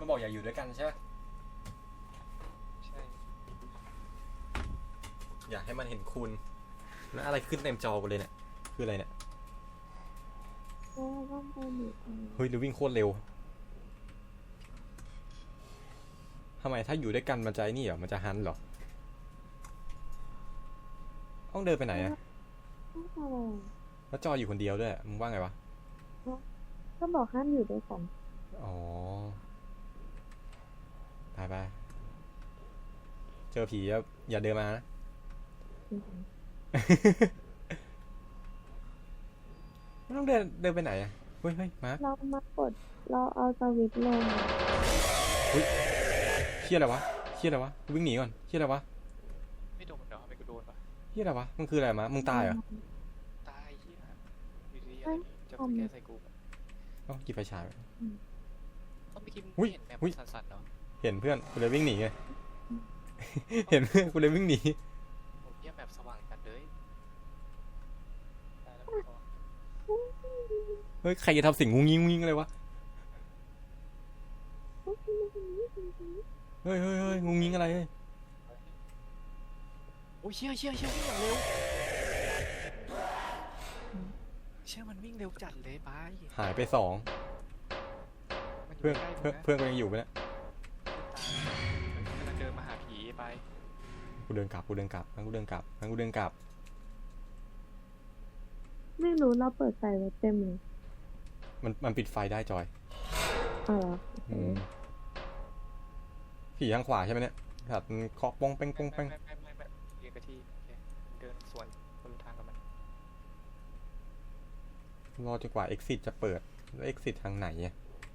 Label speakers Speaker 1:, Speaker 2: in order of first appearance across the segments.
Speaker 1: มันบอกอย่าอยู่ด้วยกันใช่ไหม
Speaker 2: ใช่
Speaker 1: อยากให้มันเห็นคุณแล้วอะไรขึ้นเต็มจอกูเลยเนี่ยคืออะไรเนี่ยเฮ้ยหรือวิ่งโคตรเร็วทำไมถ้าอยู่ด้วยกันมันจะนี่เหรอมันจะฮันเหรอต้องเดินไปไหนอะแล้วจออยู่คนเดียวด้วยมึงว่าไงวะ
Speaker 3: ก็บอกห้ามอยู่ด้วยกัน
Speaker 1: อ๋อไปเจอผีอย่าเดินมานะไม่ต้องเดินไปไหนอะเฮ้ยมาร์ค
Speaker 3: เรามากดเราเอาสวิตช์ลง
Speaker 1: เฮ้ยเชี่ยอะไรวะวิ่งหนีก่อนเชี่ยอะไรวะ
Speaker 2: ไม่โดนเดี๋ยวไม่กูโดนปะ
Speaker 1: เชี่ยอะไรวะมันคืออะไรมะมึงตายเหรอ
Speaker 2: ตายเหี้ยอยู่ดีอะไรจะแก้ใส่กู
Speaker 1: ต้องหยิบไฟฉาย
Speaker 2: ต้องไปกินเห็นแบบสั่นๆเนาะ
Speaker 1: เห็นเพื่อนกูเลยวิ่งหนีไงเห็นเพื่อนกูเลยวิ่งหนี
Speaker 2: โอ้ยแบบสว่างกันเลย
Speaker 1: เฮ้ยใครจะทำสิ่งงุ้งงิ้งอะไรวะเฮ้ยงุ้งงิ้งอะไรเฮ้ย
Speaker 2: โอ้ยเชี่ยวิ่งอย่างเร็วเชี่ยมันวิ่งเร็วจัดเลยไป
Speaker 1: หายไป2เพื่อนกูยังอยู่ไหมเนี่ย
Speaker 2: มันเดินมาหาผีไป
Speaker 1: กูเดินกลับงั้นกูเดินกลับ
Speaker 3: ไม่รู้เราเปิดไฟไว้เต็มเลย
Speaker 1: มันปิดไฟได้จอย
Speaker 3: อ๋อ
Speaker 1: ผีทางขวาใช่ไหมเนี่ยครับเคาะปงเป้ง
Speaker 2: ไม่เรียกกะที่เดินสวนคนทางกับมัน
Speaker 1: รอจนกว่า exit จะเปิดแล้ว exit ทางไหนอะ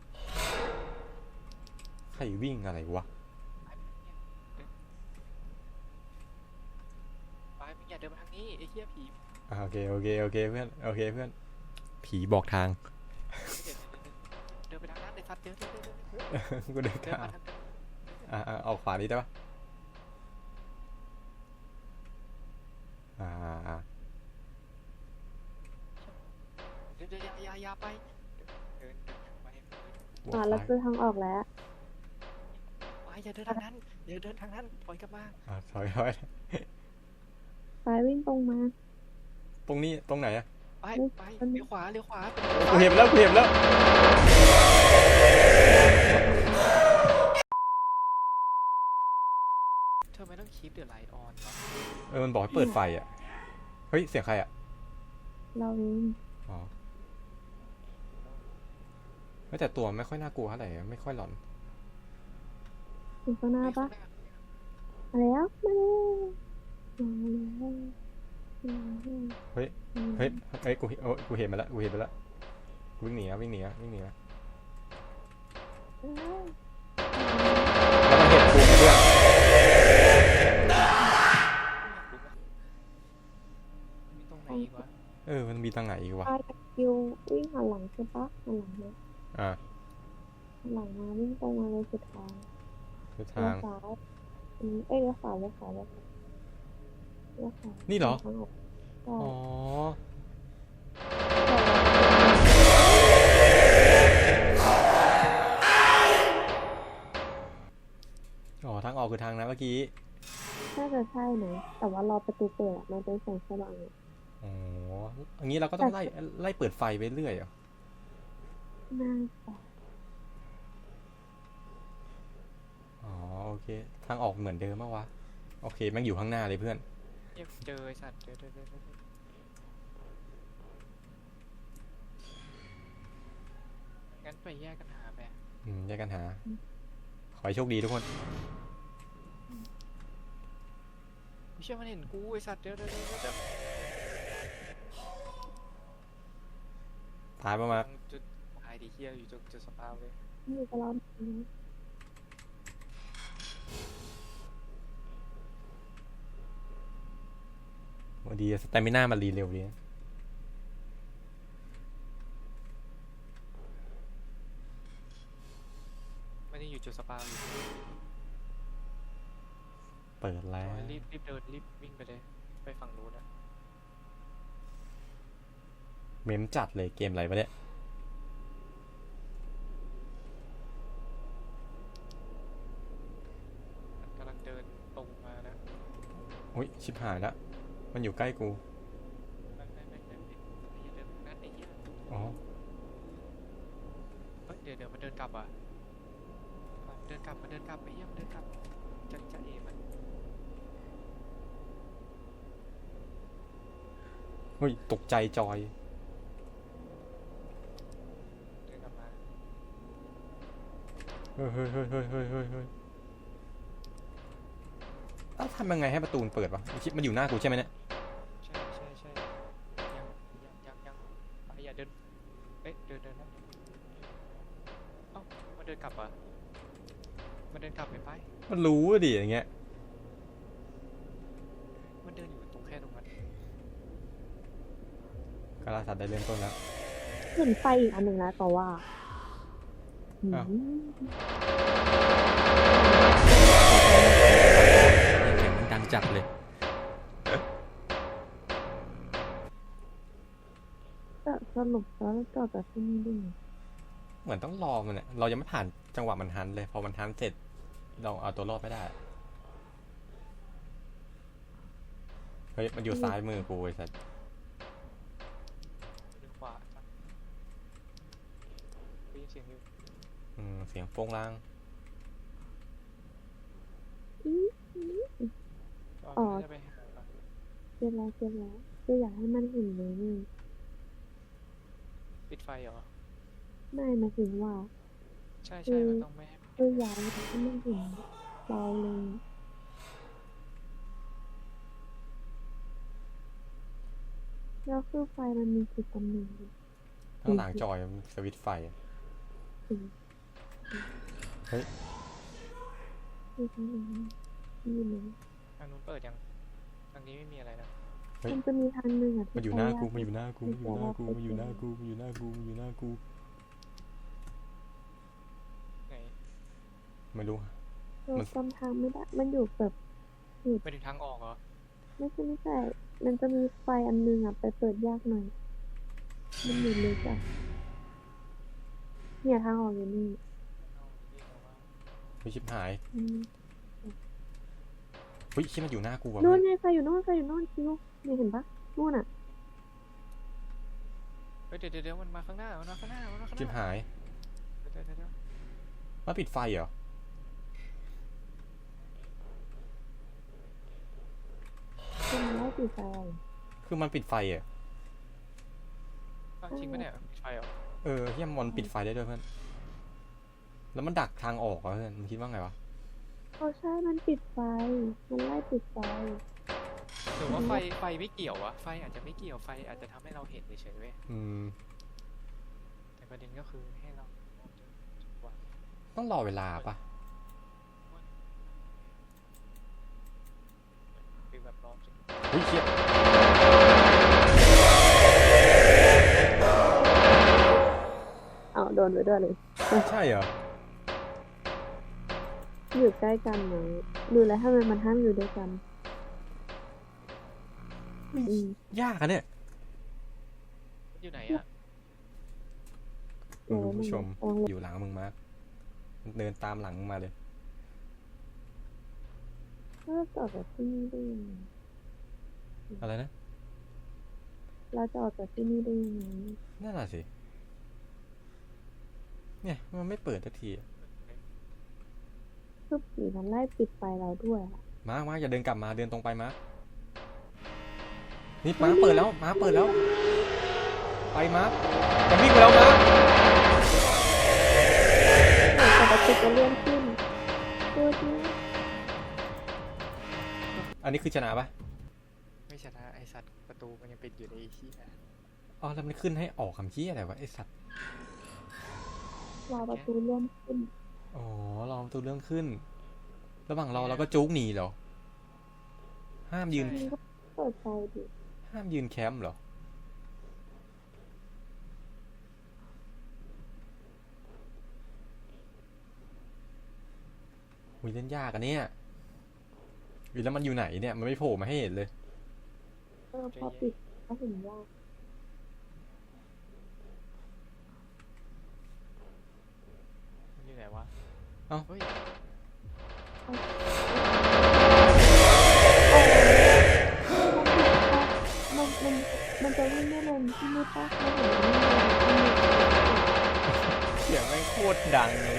Speaker 1: ใครวิ่งอะไรวะ
Speaker 2: ไปมึงอย่าเดินมาทางนี้ไอ้เหี้ยผี
Speaker 1: โอเคเพื่อนผีบอกทาง
Speaker 2: เดินไปทางนั้นไอ้สัตว์เดิน
Speaker 1: กูเดินทางออกขวานี้ได้ปะ
Speaker 2: เดินอย่าไปเดินไป
Speaker 3: เราเจอทางออกแล้ว
Speaker 2: ไปอย่าเดินทางนั้นถอยกลับมา
Speaker 1: ถอย
Speaker 3: ไปวิ่งตรงมา
Speaker 1: ตรงนี้ตรงไหนอะ
Speaker 2: ไปเลี้ยวขวา
Speaker 1: กูเห็นแล้ว
Speaker 2: เธอไม่ต้องคีปเดี๋ยวไลท์ออน
Speaker 1: มันบอกให้เปิดไฟอะเฮ้ยเสียงใครอะ
Speaker 3: เราเอง
Speaker 1: อ๋อแต่ตัวไม่ค่อยน่ากลัวเท่าไหร่ไม่ค่อยหลอน
Speaker 3: ถึงข้างหน้าปะมาแล้ว
Speaker 1: เฮ้ยกูเห็นมาแล้วกูวิ่งหนีแล้วแล้วมันเห็นกูเพื่อนมันมีทางไหนอีกวะ
Speaker 3: คิววิ่งหันหลังใช่ปะหันหลังเนี่ยหลังมาวิ่งตรงมาเลยสุดทางเลี้ยวซ้ายเลี้ยวขวา
Speaker 1: นี่เหรอทางออกคือทางนั้นเมื่อกี้
Speaker 3: น่าจะใช่นะแต่ว่ารอประตูเปิดมันเป็นแสงสว่าง
Speaker 1: อย่างนี้เราก็ต้องไล่เปิดไฟไปเรื่อยเหรอ
Speaker 3: น่าจะ
Speaker 1: โอเคทางออกเหมือนเดิมมั้งวะโอเคแม่งอยู่ข้างหน้าเลยเพื่อน
Speaker 2: เจอไอ้สัตว์งั้นไปแยกกันหาไป
Speaker 1: แยกกันหาขอให้โชคดีทุกคน
Speaker 2: ไม่เชื่อมันเห็นกูไอ้สัตว์เดี๋ยว
Speaker 1: ตายมา
Speaker 2: จุดตายดิเฮียอยู่จุดสปาวเลย
Speaker 3: อยู่กับเรา
Speaker 1: วันดีสเตมิน่ามันรีเร็วดี
Speaker 2: ไม่ได้อยู่จุดสปาวอยู่
Speaker 1: เปิดแล้ว
Speaker 2: รีบเดินรีบวิ่งไปเลยไปฝั่งนู้นนะ
Speaker 1: เมมจัดเลยเกมอะไรวะเนี่ยโอ้ยชิบหายแล้วมันอยู่ใกล้กู
Speaker 2: อย่าเดินนั่นไอ้เหี้ย
Speaker 1: อ๋อ
Speaker 2: เฮ้ยเดี๋ยวมันเดินกลับอ่ะมันเดินกลับไอ้เหี้ยมันเดินกลับจะเอมัน
Speaker 1: เฮ้ยตกใจจอย
Speaker 2: เดินกลับมา
Speaker 1: เฮ้ยอ้าวทำยังไงให้ประตูมันเปิดวะมันอยู่หน้ากูใช่ไหมเนี่ย
Speaker 2: ใช่ยังไปอย่าเดินเอ๊ะเดินนะเอ้ามันเดินกลับอ่ะมันเดินกลับไป
Speaker 1: มันรู้อะดิอย่างเงี้ย
Speaker 2: มันเดินอยู่ตรงแค่ตรงนั้น
Speaker 1: กาลาสัตว์ได้เริ่มต้นแล้ว
Speaker 3: เห็นไฟอีกอันหนึ่งแล้วแต่ว่า
Speaker 1: อ้าว
Speaker 3: อืม
Speaker 1: เสียงมันดังจัดเลย
Speaker 3: แต่สรุปแล้วเราจอดจากที่นี่ด้วยไง
Speaker 1: เหมือนต้องรอมันเนี่ยเรายังไม่ผ่านจังหวะมันฮันเลยพอมันฮันเสร็จเราเอาตัวรอดไม่ได้เฮ้ยมันอยู่ซ้ายมือกูไอ้สัส
Speaker 2: หรือขวาจ้ะได้ยินเสียงอยู่
Speaker 1: เสียงโป้งล่าง
Speaker 3: อ๋อ
Speaker 2: จะไปหา
Speaker 3: เสร็จแล้วคืออยากให้มันเห็นเลยนี่
Speaker 2: ปิดไฟเหรอ
Speaker 3: ไม่หมายถึงว่า
Speaker 2: ใช่มันต้องไม่ให้
Speaker 3: คืออยากให้มันเห็นเราเลยแล้วคือไฟมันมีจุดตำแหน่งอยู่
Speaker 1: ข้างหลังจอยมันสวิตช์ไฟอะ
Speaker 3: คือ
Speaker 1: เฮ้ย
Speaker 3: คือทางนั้นที่มัน
Speaker 2: ทางนู้นเปิดยังทางนี้ไม่มีอะไรนะ
Speaker 3: มันจะมีทางหนึ่งอ่ะ
Speaker 1: มันอยู่หน้ากูมันอยู่หน้ากูมันอยู่หน้ากูมันอยู่หน้ากูมันอยู่หน้ากูมันอยู่หน้ากู
Speaker 2: ไง
Speaker 1: ไม่รู้
Speaker 3: เราจำทางไม่ได้ มันอยู่แบบ
Speaker 2: ไปถึงทางออกเหรอ
Speaker 3: ไม่ใช่ มันจะมีไฟอันนึงอ่ะไปเปิดยากหน่อย มันอยู่ลึกอ่ะเนี่ยทางออกอยู่นี่
Speaker 1: ไม่ชิบหาย
Speaker 3: อืม
Speaker 1: เฮ้ยชิมันอยู่หน้ากูว่ะ
Speaker 3: นู่นไงไฟอยู่นู่นคิวเนี่ยเห็นปะนู่นอ่ะ
Speaker 2: เฮ้ยเดี๋ยวมันมาข้างหน้ามันมาข้างหน้า
Speaker 1: ชิบหาย
Speaker 2: เดี๋ยว
Speaker 1: มาปิดไฟเหรอ
Speaker 3: คือมันไล่ปิดไฟ
Speaker 1: คือมันปิดไฟเหรอ
Speaker 2: อ้าวจริงปะเนี่ยปิดไฟเหรอ
Speaker 1: เฮียมันปิดไฟได้ด้วยเพื่อนแล้วมันดักทางออกเหรอเพื่อนมึงคิดว่าไงวะ
Speaker 3: ใช่ มันปิดไฟ มันไล่ปิดไฟ
Speaker 2: หรือว่าไฟไม่เกี่ยววะไฟอาจจะไม่เกี่ยวไฟอาจจะทำให้เราเห็นเฉยๆเว้ย แต่ประเด็นก็คือให้เรามองจนกว่า
Speaker 1: ต้องรอเวลาปะ
Speaker 2: คือแบบรอจน
Speaker 1: เฮ้ยเชี่ย
Speaker 3: เอาโดนไปด้วยเลย
Speaker 1: ใช่เหรอ
Speaker 3: อยู่ใกล้กันไหมดูแล้วทำไมมันห้ามอยู่ด้วยกัน
Speaker 1: ยากอะเนี่ย
Speaker 2: อยู่ไหนอ่ะ
Speaker 1: คุณผู้ชมอยู่หลังมึงมาเดินตามหลังมึงมาเลย
Speaker 3: เราจะออกจากที่นี่ได้ยังไง
Speaker 1: อะไรนะ
Speaker 3: เราจะออกจากที่นี่ได้ยังไง
Speaker 1: นั่นแหละสิเนี่ยมันไม่เปิดสักทีอะ
Speaker 3: คือผีมันไล่ปิดไฟเราด้วยอะ
Speaker 1: มาร์คอย่าเดินกลับมาเดินตรงไปมาร์คนี่มาร์คเปิดแล้วมาร์คเปิดแล้วไปมาร์คมันวิ่งไปแล้วมาร์ค
Speaker 3: แต่ประตูจะเลื่อนขึ้นตัวที่
Speaker 1: อันนี้คือชนะปะ
Speaker 2: ไม่ชนะไอสัตว์ประตูมันยังปิดอยู่ในที่
Speaker 1: อ๋อแล้วมันขึ้นให้ออกคำชี้อะไรวะไอสัตว์
Speaker 3: รอประตูเลื่อนขึ้น
Speaker 1: อ๋อรอประตูเรื่องขึ้น ระหว่างรอเราก็จุกหนีเหรอห้ามยืน
Speaker 3: มันก็เปิดไฟดิ
Speaker 1: ห้ามยืนแคมป์เหรออุ้ยเล่นยากอะเนี่ยแล้วมันอยู่ไหนเนี่ยมันไม่โผล่มาให้เห็นเลย
Speaker 3: พอปิดก็เห็นยาก
Speaker 2: มันอยู่ไหนวะ
Speaker 1: เอ้า
Speaker 2: เฮ้ย
Speaker 3: เที่ไม่ปะไม่เห็นไม่มี
Speaker 1: เสียงไม่งโคตรดังเลย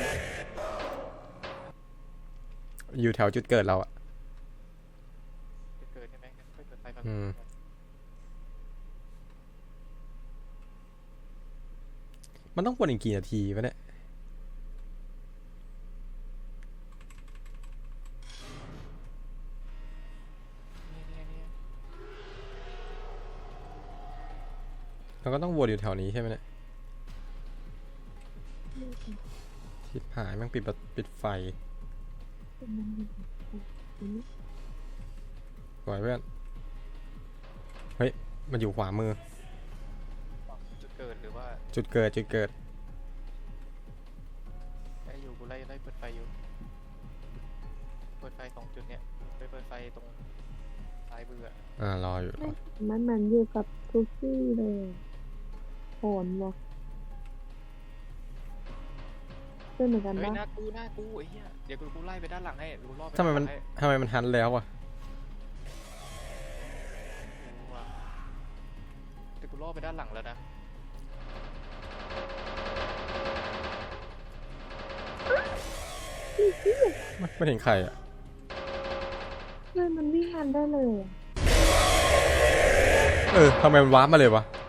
Speaker 1: อยู่แถวจุดเกิดเราอะ
Speaker 2: จะเกิดใช่ไหมงั้นค่อยเปิดไฟก่อน
Speaker 1: อืม มันต้องวนอีกกี่นาทีวะเนี่ย
Speaker 2: เนี่ย
Speaker 1: เราก็ต้องวนอยู่แถวนี้ใช่ไหมเนี่ยชิบหายแม่งปิดไฟสวยเพื่อน เฮ้ย มันอยู่ขวามือ
Speaker 2: จุดเกิดหรือว่า
Speaker 1: จุดเกิด
Speaker 2: ไอ้อยู่กูไล่เปิดไฟอยู่เปิดไฟสองจุดเนี่ยไปเปิดไฟตรงซ้ายมืออะ
Speaker 1: รออยู่รอ
Speaker 3: มันเหมือนอยู่กับทุกที่เลยโหนวะเป็นเหมือนกัน
Speaker 2: เฮ้ย
Speaker 3: ปะ
Speaker 2: หน้ากูไอ้เหี้ยเดี๋ยวกูไล่ไปด้านหลังให้กูรอบไป
Speaker 1: ทำไมมัน
Speaker 2: ด้าหลังให้
Speaker 1: ทำไมมันฮันแล้วอะ
Speaker 2: กูว่ะเดี๋ยวกูรอบไปด้านหลังแล้วนะ
Speaker 1: ไม่เห็นใครอะ
Speaker 3: เพื่อนมันวิ่งทันได้เลยอะ
Speaker 1: ทำไมมันวาร์ปมาเลยวะ